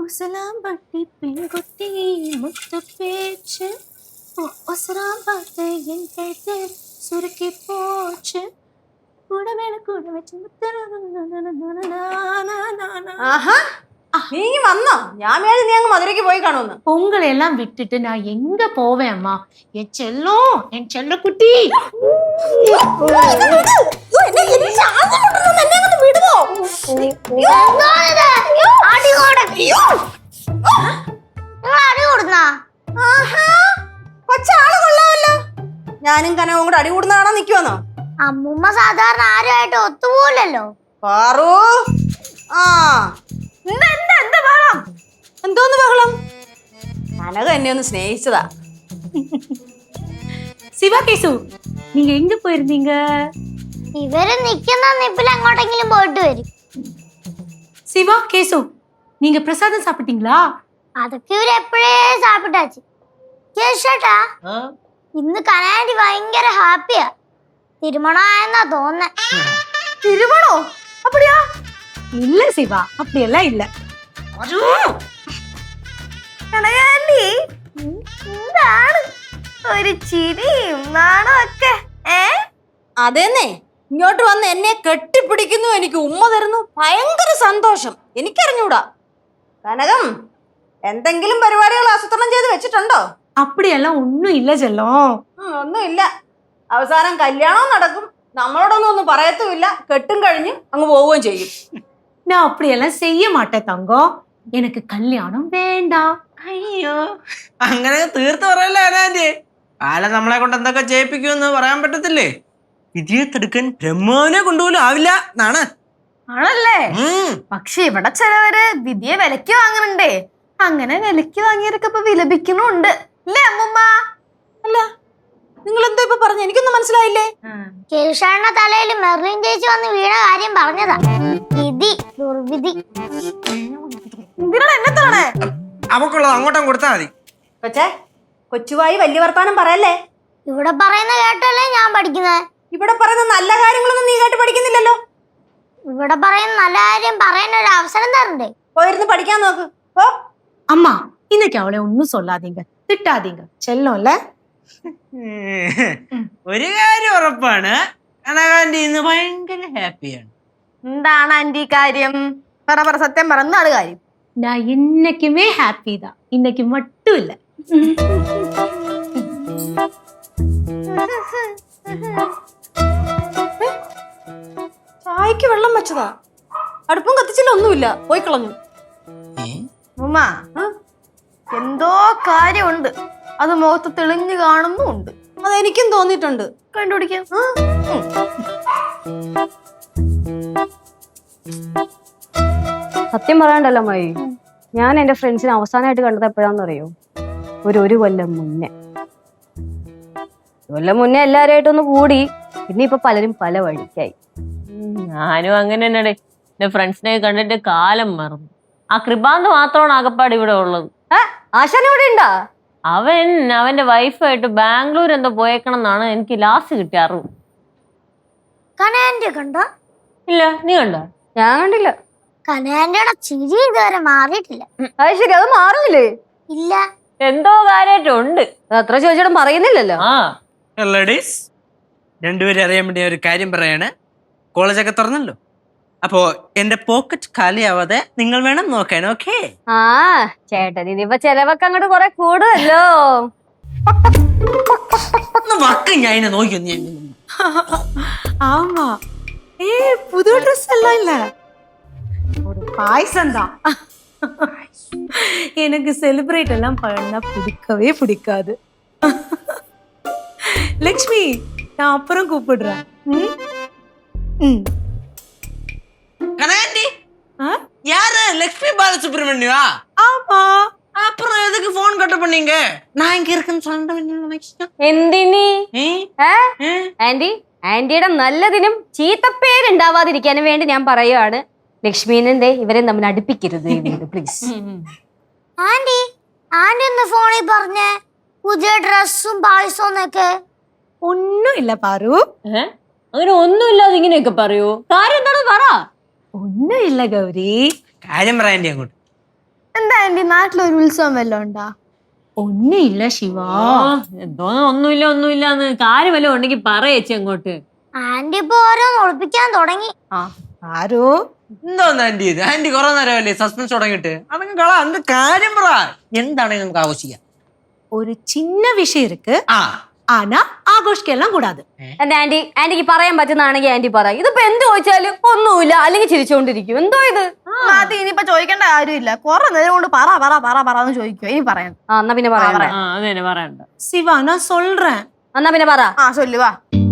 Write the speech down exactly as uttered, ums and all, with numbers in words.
ഉസലാമ്പട്ടി പെൺകുട്ടി മുത്തുപേച്ച് ഒസറാമ്പത്തെ എൻ കഴുത്ത് സുരുക്കി പോച്ച് കൂടെ വേണ കൂടെ വെച്ച് നീ വന്നോ? ഞാൻ വേണ്ടി നീ അങ്ങ് മധുരയ്ക്ക് പോയി കാണുമെന്ന്. பொங்கலை எல்லாம் விட்டுட்டு நான் எங்க போவேன் அம்மா? என் செல்லம், என் செல்ல குட்டி. ഞാനും കനവും കൂടെ അടി കൂടുന്നതാണോ നിക്കുവന്നോ? അമ്മൂമ്മ സാധാരണ ആരുമായിട്ട് ഒത്തുപോലല്ലോ. പാറു ആ എന്തോന്ന് ബഹളം? കനക എന്നെ ഒന്ന് സ്നേഹിച്ചതാ. சிவா கேசு, நீங்க எங்க போயிருந்தீங்க? ഇവര് നിക്കുന്ന നിപ്പിൽ എങ്ങോട്ടെങ്കിലും പോയിട്ട് വരും. சிவா கேசு, நீங்க பிரசாதம் சாப்பிட்டீங்களா? അതൊക്കെ ഇവര് എപ്പോഴേ സാപ്പിട്ടാச்சு. കേശേട്ടാ, ഇന്ന് കനാൻഡി ഭയങ്കര ഹാപ്പിയാ. തിരുമണമായെന്നാ തോന്നുന്നേ. திருமணோ? அப்படியா? இல்ல சிவா, அப்படி எல்லாம் இல்ல. കനകാന്റി എന്താണ് ഒരു ചിരിയും നാണോ ഒക്കെ? ഏ അതെന്നെ, ഇങ്ങോട്ട് വന്ന് എന്നെ കെട്ടിപ്പിടിക്കുന്നു, എനിക്ക് ഉമ്മ തരുന്നു, ഭയങ്കര സന്തോഷം. എനിക്കറിഞ്ഞൂടാ. കനകം, എന്തെങ്കിലും പരിപാടികൾ ആസൂത്രണം ചെയ്ത് വെച്ചിട്ടുണ്ടോ? அப்படியெல்லாம் ஒன்னும் இல்ல செல்லம். ഒന്നുമില്ല. അവസാനം കല്യാണം നടക്കും, നമ്മളോടൊന്നും ഒന്നും പറയത്തുമില്ല, കെട്ടും കഴിഞ്ഞ് അങ്ങ് പോവുകയും ചെയ്യും. நான் அப்படியெல்லாம் செய்ய மாட்டேன் தங்கம். எனக்கு கல்யாணம் வேண்டாம். അയ്യോ, അങ്ങനെ തീർത്ത് പറയല്ലേ അനാന്റെ. ആളെ നമ്മളെ കൊണ്ട് എന്തൊക്കെ ചെയ്യിപ്പിക്കുമെന്ന് പറയാൻ പറ്റത്തില്ലേ. വിധിയെ തടുക്കാൻ ബ്രഹ്മാവിനെ കൊണ്ടുപോലും ആവില്ല എന്നാണ്. ആണല്ലേ? പക്ഷെ ഇവിടെ ചിലവര് വിധിയെ വിലക്ക് വാങ്ങുന്നുണ്ടേ. അങ്ങനെ വിലക്ക് വാങ്ങിയവരൊക്കെ ഇപ്പൊ വിലപിക്കണുണ്ട് അല്ലേ അമ്മുമ്മ? അല്ല, നിങ്ങൾ എന്തോ ഇപ്പൊ പറഞ്ഞു? എനിക്കൊന്നും മനസ്സിലായില്ലേ. കേശാന്റെ തലയിൽ മെർലിൻ ചേച്ചി വന്ന് വീണ കാര്യം പറഞ്ഞതാ. വിധി, ദുർവിധി. എന്തിനാണ് എന്നെ തോണേ? അവക്കുള്ളത് അങ്ങോട്ടും കൊടുത്താൽ മതി. പക്ഷേ കൊച്ചുവായി വലിയ വർത്താനം പറയല്ലേ. ഇവിടെ പറയുന്ന കേട്ടല്ലേ ഞാൻ പഠിക്കുന്നത്. ഇവിടെ പറയുന്ന നല്ല കാര്യങ്ങളൊന്നും നീ കേട്ട് പഠിക്കുന്നില്ലല്ലോ. ഇവിടെ പറയുന്ന നല്ല കാര്യം പറയാൻ ഒരു അവസരം തരണ്ടേ? പോയിരുന്ന് പഠിക്കാൻ നോക്ക്. ഓ அம்மா, இன்னைக்கு அவளை ஒன்னும் சொல்லாதீங்க, திட்டாதீங்க. செல்லம் இல்ல? ഒരു കാര്യം ഉറപ്പാണ്, കനകാന്റി ഇന്ന് ഭയങ്കര ഹാപ്പിയാണ്. എന്താണ് ആന്റി കാര്യം? പറ പറ, സത്യം പറ, എന്താണ് കാര്യം? நான் இன்னைக்குமே ஹாப்பி தான், இன்னைக்கு மட்டும் இல்ல. ചായക്ക് വെള്ളം വെച്ചതാ, അടുപ്പും കത്തിച്ചില്ല, ഒന്നുമില്ല, പോയി കളഞ്ഞു. ഉമ്മ, എന്തോ കാര്യമുണ്ട്, അത് മുഖത്ത് തെളിഞ്ഞു കാണുന്നുണ്ട്. അതെനിക്കും തോന്നിയിട്ടുണ്ട്. കണ്ടുപിടിക്കാം. സത്യം പറയാണ്ടല്ലോ മഴ, ഞാൻ എന്റെ ഫ്രണ്ട്സിനെ അവസാനമായിട്ട് കണ്ടത് എപ്പോഴാന്നറിയോ? ഒരു ഒരു കൊല്ലം മുന്നേ. കൊല്ലം മുന്നേ എല്ലാവരുമായിട്ടൊന്ന് കൂടി, പിന്നെ ഇപ്പൊ പലരും പല വഴിക്കായി. ഞാനും അങ്ങനെ തന്നെ. എന്റെ ഫ്രണ്ട്സിനെ കണ്ടിട്ട് കാലം മറന്നു. ആ കൃപാന്ത് മാത്രമാണ് ആകപ്പാട് ഇവിടെ ഉള്ളത്. ആശാൻ ഇവിടെ ഉണ്ടാ? അവൻ അവന്റെ വൈഫായിട്ട് ബാംഗ്ലൂർ എന്തോ പോയേക്കണം എന്നാണ് എനിക്ക് ലാസ്റ്റ് കിട്ടിയ അറിവ്. കനാൻഡി കണ്ടോ? ഇല്ല, നീ കണ്ടോ? ഞാൻ കണ്ടില്ല. കനാൻഡിയുടെ ചിരി ഇതുവരെ മാറിയിട്ടില്ല. അത് ശരി, അത് മാറുന്നില്ലേ? ഇല്ല. എന്തോ കാര്യമായിട്ടുണ്ട്. അത്ര ചോദിച്ചിട്ടും പറയുന്നില്ലല്ലോ. ആ ലേഡീസ്, രണ്ടുപേരും അറിയാൻ വേണ്ടി ഒരു കാര്യം പറയാണ്. കോളേജൊക്കെ തുറന്നല്ലോ, അപ്പോ എന്റെ പോക്കറ്റ് കാലിയാവാതെ നിങ്ങൾ വേണം നോക്കാൻ. ഓക്കെ? ആ ചേട്ടൻ ഇനിയിപ്പൊ ചെലവൊക്കെ അങ്ങോട്ട് കൊറേ കൂടുമല്ലോ. ഞാൻ ഇതിനെ നോക്കി. ஆமா, ஏ புது ட்ரெஸ் எல்லாம் இல்ல, ஒரு பாயசம் தான். எனக்கு செலிப்ரேட் எல்லாம் பண்ணா பிடிக்கவே பிடிக்காது. லக்ஷ்மி, நான் அப்புறம் கூப்பிடுறேன். ம் ம் கனகாண்டி, யாரு? லட்சுமி பாலசுப்ரமணியா? ஆமா. அப்புறம் எதுக்கு போன் கட்ட பண்ணீங்க? நான் இங்க இருக்குன்னு சொல்லிட்டு എന്തിനി? ആന്റി, ആന്റിയുടെ നല്ലതിനും ചീത്തപ്പേരുണ്ടാവാതിരിക്കാനും വേണ്ടി ഞാൻ പറയുകയാണ്, ലക്ഷ്മീനെ ഇവരെ നമ്മൾ അടുപ്പിക്കരുത് പ്ലീസ്. ആന്റി, ആന്റി ഒന്ന് ഫോണിൽ പറഞ്ഞേ പുതിയ ഡ്രസ്സും പായസവും ഒക്കെ. ഒന്നും ഇല്ല പാറു. അങ്ങനെ ഒന്നുമില്ലാതെ ഇങ്ങനെയൊക്കെ പറയൂ. കാര്യം എന്താണെന്ന് പറ. ഒന്നും ഇല്ല ഗൗരി. കാര്യം പറയാൻ അങ്ങോട്ട്. എന്താ ആന്റി നാട്ടിലൊരു ഉത്സവം വല്ലതും ഉണ്ടാ? ഒന്നും ഇല്ല ശിവാ. എന്തോ ഒന്നുമില്ല ഒന്നുമില്ലാന്ന് കാര്യം വല്ലതും ഉണ്ടെങ്കിൽ പറയേച്ചി അങ്ങോട്ട്. ആന്റി ഇപ്പൊ ഓരോന്ന് ഒളിപ്പിക്കാൻ തുടങ്ങി. ആരോ എന്തോന്ന് ആന്റി ഇത്? ആന്റി കുറെ നേരമല്ലേ സസ്പെൻസ് തുടങ്ങിയിട്ട്? അതങ്ങ് കള, എന്ത് കാര്യം പറ. എന്താണെങ്കിൽ നമുക്ക് ആഘോഷിക്കാം. ஒரு சின்ன விஷயம் இருக்கு, ആ ஆனா ஆഘോഷിக்கலாம் கூடாது. എന്റെ ആന്റി ആന്റിക്ക് പറയാൻ പറ്റുന്നതാണെങ്കിൽ ആന്റി പറ. ഇതിപ്പോ എന്ത് ചോദിച്ചാലും ഒന്നുമില്ല അല്ലെങ്കിൽ ചിരിച്ചോണ്ടിരിക്കും. എന്തോ ഇത്? അത് ഇനിയിപ്പൊ ചോദിക്കേണ്ട കാര്യമില്ല. കുറെ നേരം കൊണ്ട് പറ പറ പറ പറ എന്ന് ചോദിക്കോ. ഇനി പറയാൻ ആ എന്നാ പിന്നെ പറയാം. ആ അത് തന്നെ പറയണ്ട. சிவா நான் சொல்றேன். എന്നാ പിന്നെ പറ. ആ ചൊല്ലുവാ.